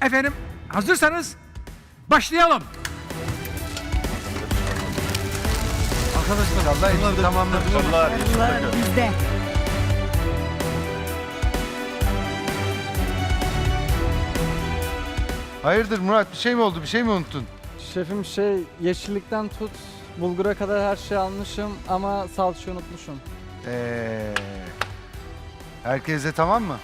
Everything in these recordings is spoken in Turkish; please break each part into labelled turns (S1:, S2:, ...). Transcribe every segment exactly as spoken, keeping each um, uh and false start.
S1: Efendim hazırsanız başlayalım.
S2: Arkadaşlar Allah için tamamladık.
S3: Allah
S4: Bizde.
S2: Hayırdır Murat, bir şey mi oldu? Bir şey mi unuttun?
S5: Şefim şey yeşillikten tut bulgura kadar her şeyi almışım ama salçayı unutmuşum.
S2: Ee, herkese tamam mı?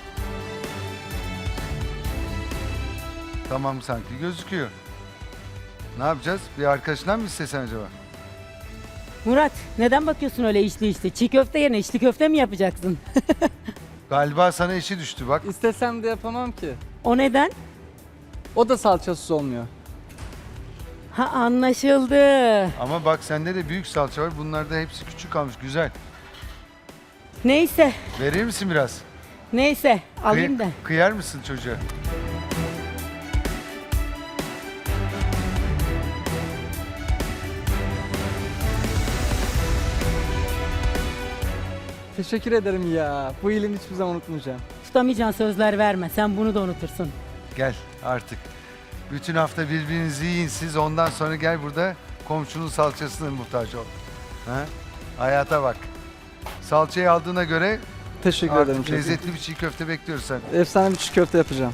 S2: Tamam sanki gözüküyor. Ne yapacağız? Bir arkadaşından mı istesen acaba?
S4: Murat neden bakıyorsun öyle içli içli? Çiğ köfte yerine içli köfte mi yapacaksın?
S2: Galiba sana işi düştü bak.
S5: İstesem de yapamam ki.
S4: O neden?
S5: O da salçasız olmuyor.
S4: Ha anlaşıldı.
S2: Ama bak sende de büyük salça var. Bunlarda hepsi küçük kalmış. Güzel.
S4: Neyse,
S2: Verir misin biraz?
S4: neyse alayım
S2: Kıy-
S4: da.
S2: Kıyar mısın çocuğa?
S5: Teşekkür ederim ya. Bu iyiliğini hiçbir zaman unutmayacağım.
S4: Tutamayacağın sözler verme. Sen bunu da unutursun.
S2: Gel artık. Bütün hafta birbirinizi yiyin siz. Ondan sonra gel burada komşunun salçasına muhtaç ol. Ha? Hayata bak. Salçayı aldığına göre
S5: Teşekkür ederim
S2: artık
S5: şefim.
S2: lezzetli bir çiğ köfte bekliyoruz sen.
S5: Efsane bir çiğ köfte yapacağım.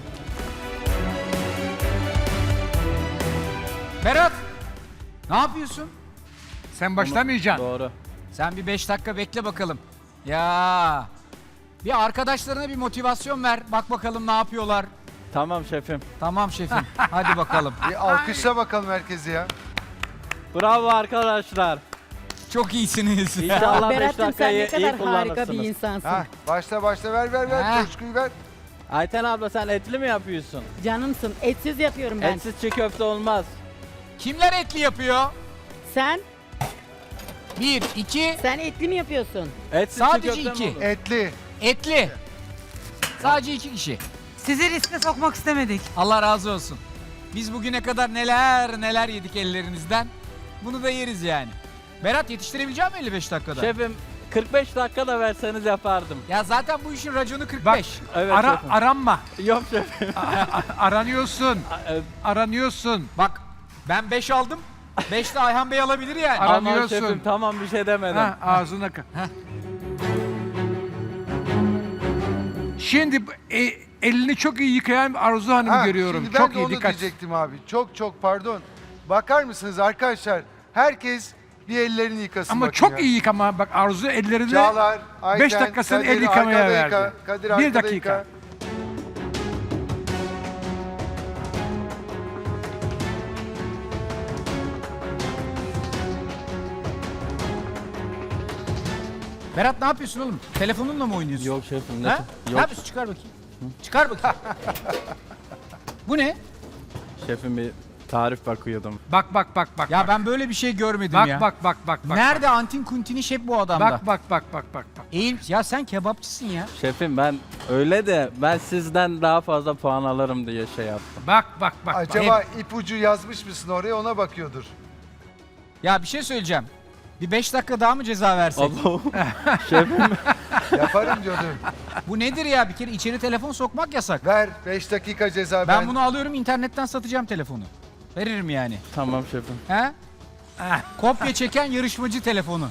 S1: Berat ne yapıyorsun? Sen başlamayacaksın.
S5: Doğru.
S1: Sen bir beş dakika bekle bakalım. Ya bir arkadaşlarına bir motivasyon ver. Bak bakalım ne yapıyorlar.
S6: Tamam şefim.
S1: Tamam şefim. Hadi bakalım.
S2: Bir alkışla bakalım herkesi ya.
S6: Bravo arkadaşlar.
S1: Çok iyisiniz.
S6: İnşallah beş
S4: Berat'cığım sen
S6: dakikayı
S4: ne
S6: iyi
S4: kadar harika bir
S6: kullanırsınız.
S4: insansın.
S2: Ha, başla başla ver ver ver.
S1: Ha.
S2: Coşkuyu ver.
S6: Ayten abla sen etli mi yapıyorsun?
S4: Canımsın. Etsiz yapıyorum ben.
S6: Etsiz çiğ köfte olmaz.
S1: Kimler etli yapıyor?
S4: Sen,
S1: Bir, iki,
S4: sen etli mi yapıyorsun?
S6: Etsiz
S1: Sadece
S6: çiğ köfte mi
S1: iki.
S6: olur?
S2: Etli.
S1: etli. Sadece iki kişi.
S7: Sizi riske sokmak istemedik.
S1: Allah razı olsun. Biz bugüne kadar neler neler yedik ellerinizden. Bunu da yeriz yani. Berat yetiştirebilecek misin elli beş dakikada?
S6: Şefim kırk beş dakika da verseniz yapardım.
S1: Ya zaten bu işin raconu kırk
S8: Bak,
S1: beş.
S6: Evet
S8: Ara,
S6: şefim.
S8: aranma.
S6: Yok şefim.
S8: Aranıyorsun.
S6: E,
S8: Aranıyorsun.
S1: Bak ben beş aldım. beş de Ayhan Bey alabilir yani.
S8: Ara-
S6: Aman
S8: Aranıyorsun.
S6: şefim tamam bir şey demedim.
S8: Ha, ağzına ka- Şimdi e, elini çok iyi yıkayan Arzu Hanım'ı
S2: Ha,
S8: görüyorum.
S2: Şimdi ben
S8: Çok
S2: de
S8: iyi
S2: onu
S8: dikkat.
S2: diyecektim abi. Çok çok pardon. Bakar mısınız arkadaşlar? Herkes bir ellerini yıkasın
S8: Ama
S2: bakın
S8: çok
S2: ya.
S8: iyi yıkama. Bak Arzu ellerini
S2: Çağlar, Ayten,
S8: beş dakikasını
S2: Kadir
S8: el yıkamaya
S2: arkada
S8: verdi.
S2: yıka, Kadir
S8: Bir
S2: arkada
S8: dakika.
S2: yıka.
S1: Berat ne yapıyorsun oğlum? Telefonunla mı oynuyorsun?
S6: Yok şefim. Ne?
S1: Ha? Ne
S6: Yok
S1: yapıyorsun? Çıkar bakayım. Çıkar bakayım. Bu ne?
S6: şefim bir tarif bakıyordum.
S8: Bak bak bak bak.
S1: Ya ben böyle bir şey görmedim
S8: bak,
S1: ya.
S8: bak bak bak bak.
S1: Nerede antin kuntin iş hep bu adamda?
S8: Bak bak bak bak bak bak.
S1: Eğil. Ya sen kebapçısın ya.
S6: Şefim ben öyle de ben sizden daha fazla puan alırım diye şey yaptım.
S8: Bak bak bak. bak.
S2: Acaba ipucu yazmış mısın oraya ona bakıyordur.
S1: Ya bir şey söyleyeceğim. Bir beş dakika daha mı ceza versek?
S6: Abo. şefim
S2: Yaparım diyordum.
S1: Bu nedir ya? Bir kere içeri telefon sokmak yasak.
S2: Ver beş dakika ceza
S1: Ben,
S2: ben.
S1: bunu alıyorum internetten satacağım telefonu. Veririm yani.
S6: tamam şefim.
S1: He? Kopya çeken yarışmacı telefonu.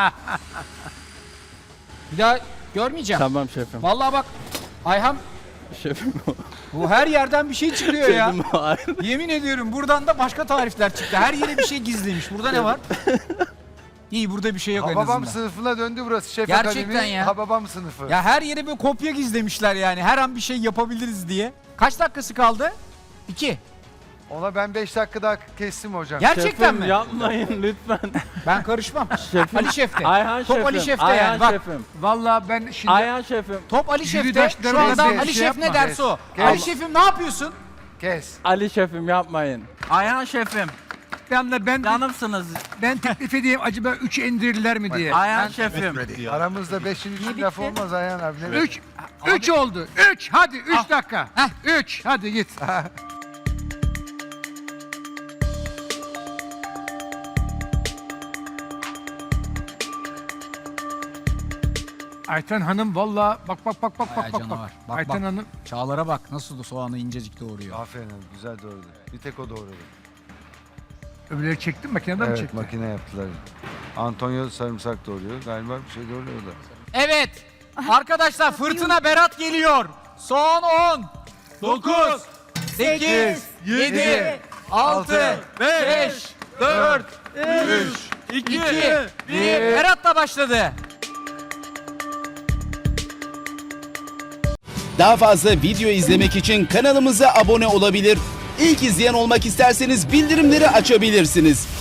S1: Bir daha görmeyeceğim.
S6: Tamam şefim.
S1: Vallahi bak Ayhan
S6: Şefim
S1: bu her yerden bir şey çıkıyor ya.
S6: şefim o ayrı.
S1: Yemin ediyorum buradan da başka tarifler çıktı. Her yere bir şey gizlemiş. Burada ne var? İyi burada bir şey yok en
S2: Hababam
S1: azından.
S2: sınıfına döndü burası şef
S1: Gerçekten
S2: akademi.
S1: ya.
S2: Hababam sınıfı.
S1: Ya her yere bir kopya gizlemişler yani. Her an bir şey yapabiliriz diye. Kaç dakikası kaldı? İki.
S2: Ona ben beş dakika daha kestim hocam.
S1: Gerçekten
S6: Şefim
S1: mi?
S6: yapmayın lütfen.
S1: Ben karışmam.
S6: Şefim.
S1: Ali Şef'te.
S6: Ayhan
S1: Top
S6: şefim.
S1: Ali Şef'te
S6: Ayhan
S1: yani. Bak
S6: şefim.
S8: Vallahi ben şimdi
S6: Ayhan şefim.
S1: top Ali Şef'te.
S8: Yürüdaşlarım
S1: Şu anda
S2: ezdi,
S1: Ali
S8: şey
S1: Şef ne
S8: yapma.
S1: derse o.
S2: Kes.
S1: Ali Şef'im ne yapıyorsun?
S2: Kes.
S6: Ali şefim yapmayın. Ayhan şefim.
S8: ben, ben,
S6: Canımsınız.
S8: ben teklif edeyim acaba üçe indirirler mi diye.
S6: Ayhan şefim.
S2: Aramızda beşin üçün
S4: bitti?
S2: laf olmaz Ayhan abi. Ne
S8: Üç, üç oldu. Üç. Hadi üç dakika. Üç. Hadi git. Ayten Hanım valla bak bak bak bak
S1: Ay,
S8: bak bak.
S1: canavar.
S8: bak.
S1: Bak,
S8: Ayten
S1: bak.
S8: Hanım
S1: Çağlar'a bak nasıl da soğanı incecik doğuruyor.
S2: Aferin abi, güzel doğradı. Bir tek o doğradı.
S8: öbürleri çektin makineden mi
S2: Evet,
S8: çektin?
S2: makine yaptılar. Antonio sarımsak doğruyor. Galiba bir şey doğruyor da.
S1: Evet. Arkadaşlar fırtına Berat geliyor. Son on, dokuz, sekiz, yedi, altı, beş, dört, üç, iki, bir. Berat'la başladı.
S3: Daha fazla video izlemek için kanalımıza abone olabilir. İlk izleyen olmak isterseniz bildirimleri açabilirsiniz.